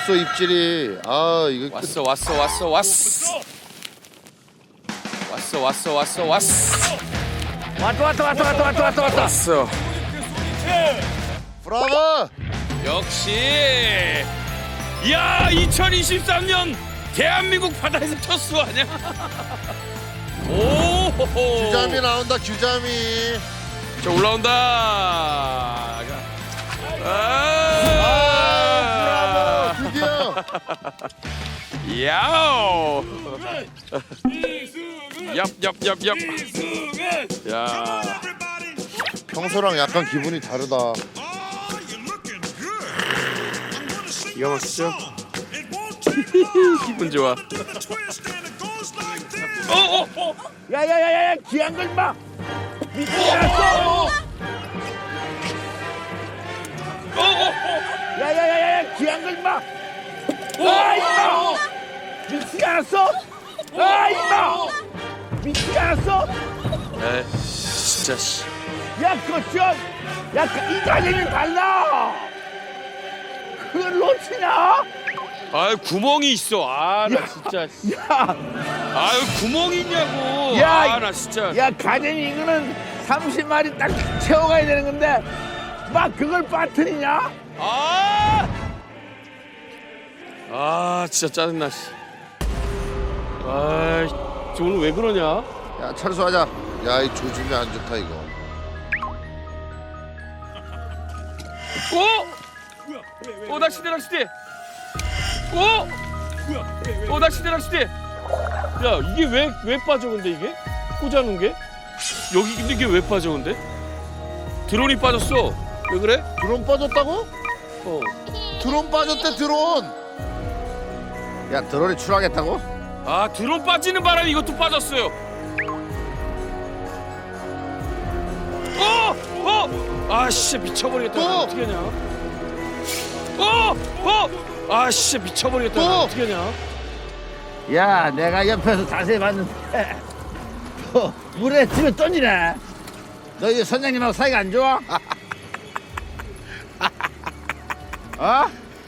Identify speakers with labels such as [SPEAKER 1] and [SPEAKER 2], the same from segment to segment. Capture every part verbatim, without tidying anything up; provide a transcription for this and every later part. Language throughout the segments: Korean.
[SPEAKER 1] 없어 입질이. 아 이거
[SPEAKER 2] 왔어 왔어 왔어 왔어 왔어 왔어 왔어 왔어
[SPEAKER 3] 왔다 왔다 왔다 왔다 왔다 왔다 왔다.
[SPEAKER 2] 왔어.
[SPEAKER 1] 브라보.
[SPEAKER 2] 역시 야 이천이십삼 년 대한민국 바다에서 첫 수 아니야? 오
[SPEAKER 1] 규자미 나온다 규자미.
[SPEAKER 2] 자 올라온다.
[SPEAKER 1] 아 브라보 드디어.
[SPEAKER 2] 야오. 얍얍얍얍. 야.
[SPEAKER 1] 평소랑 약간 기분이 다르다.
[SPEAKER 2] 기가 막히죠? 기분 좋아. 어어 어.
[SPEAKER 3] 야야야야 귀한 걸 봐. 미치지 않았어.
[SPEAKER 2] 어어
[SPEAKER 3] 야야야야 귀한 걸 봐. 아 임마. 미치지 않았어. 아 임마. 미치지 않았어.
[SPEAKER 2] 에이 진짜 씨.
[SPEAKER 3] 야 그거 좀. 야 이 가격이 달라. 그걸 놓치냐?
[SPEAKER 2] 아유 구멍이 있어. 아 나 진짜.
[SPEAKER 3] 야.
[SPEAKER 2] 아유 구멍이 있냐고.
[SPEAKER 3] 야,
[SPEAKER 2] 아 나 진짜.
[SPEAKER 3] 야 가재미 이거는 삼십 마리 딱 채워가야 되는 건데 막 그걸 빠뜨리냐?
[SPEAKER 2] 아. 아 진짜 짜증나 씨. 아이 저 오늘 왜 그러냐?
[SPEAKER 1] 야 철수하자. 야 이 조짐이 안 좋다 이거.
[SPEAKER 2] 오! 오 낚시대 낚시대. 오! 오 낚시대 낚시대. 야 이게 왜 왜 빠져 근데 이게 꽂아놓은 게 여기 근데 이게 왜 빠져 근데 드론이 빠졌어. 왜 그래?
[SPEAKER 1] 드론 빠졌다고?
[SPEAKER 2] 어.
[SPEAKER 1] 드론 빠졌대 드론. 야 드론이 출하겠다고?
[SPEAKER 2] 아 드론 빠지는 바람에 이것도 빠졌어요. 어! 어! 아씨 미쳐버리겠다.
[SPEAKER 1] 또!
[SPEAKER 2] 나 어떻게 하냐? 어! 어! 아씨 미쳐버리겠다.
[SPEAKER 1] 또!
[SPEAKER 2] 나 어떻게 하냐?
[SPEAKER 3] 야 내가 옆에서 자세히 봤는데 어, 물에 집에 던지네. 너 이제 선장님하고 사이가 안 좋아? 어?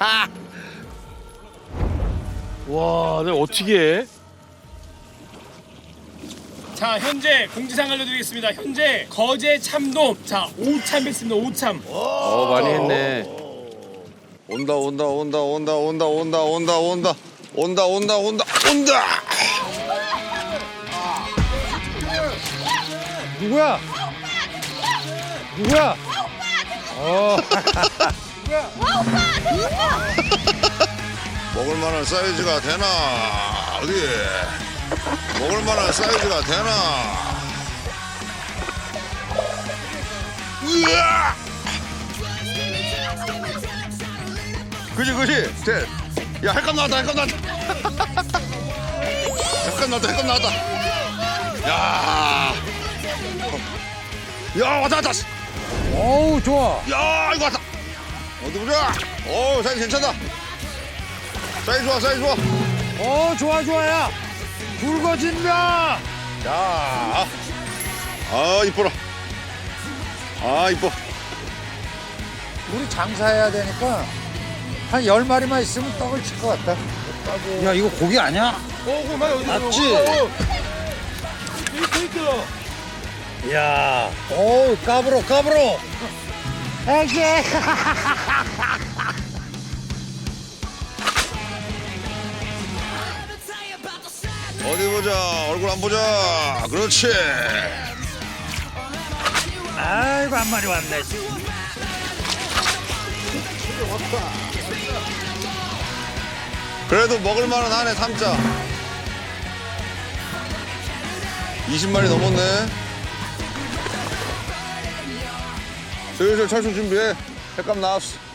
[SPEAKER 2] 와 내가 어떻게 해?
[SPEAKER 4] 자 현재 공지사항 알려드리겠습니다. 현재 거제 참돔 자 오 참 했습니다. 오 참.
[SPEAKER 2] 어 많이 했네.
[SPEAKER 1] 온다 온다 온다 온다 온다 온다 온다 온다 온다 온다 온다 온다.
[SPEAKER 3] 누구야? 누구야?
[SPEAKER 1] 먹을 만한 사이즈가 되나 어디? 먹을 만한 사이즈가 되나? 으아! 그지 그지 돼. 야 할감 나왔다 할감 나왔다. 할감 나왔다 할감 나왔다. 야. 야 왔다 왔다.
[SPEAKER 3] 어우 좋아.
[SPEAKER 1] 야 이거 왔다. 어디 보자. 어 사이즈 괜찮다. 사이즈 좋아 사이즈 좋아.
[SPEAKER 3] 어 좋아 좋아야. 굵어진다.
[SPEAKER 1] 자. 아 이뻐라. 아 이뻐.
[SPEAKER 5] 우리 장사해야 되니까 한 열 마리만 있으면 떡을 칠 것 같다. 야 이거 고기 아니야?
[SPEAKER 1] 맞지?
[SPEAKER 5] 야, 오 까불어 까불어. 에게.
[SPEAKER 1] 어디 보자. 얼굴 안 보자. 그렇지.
[SPEAKER 5] 아이고 한 마리 왔네.
[SPEAKER 1] 그래도 먹을 만은 하네 삼자. 이십 마리 넘었네. 슬슬 철수 준비해. 횟감 나왔어.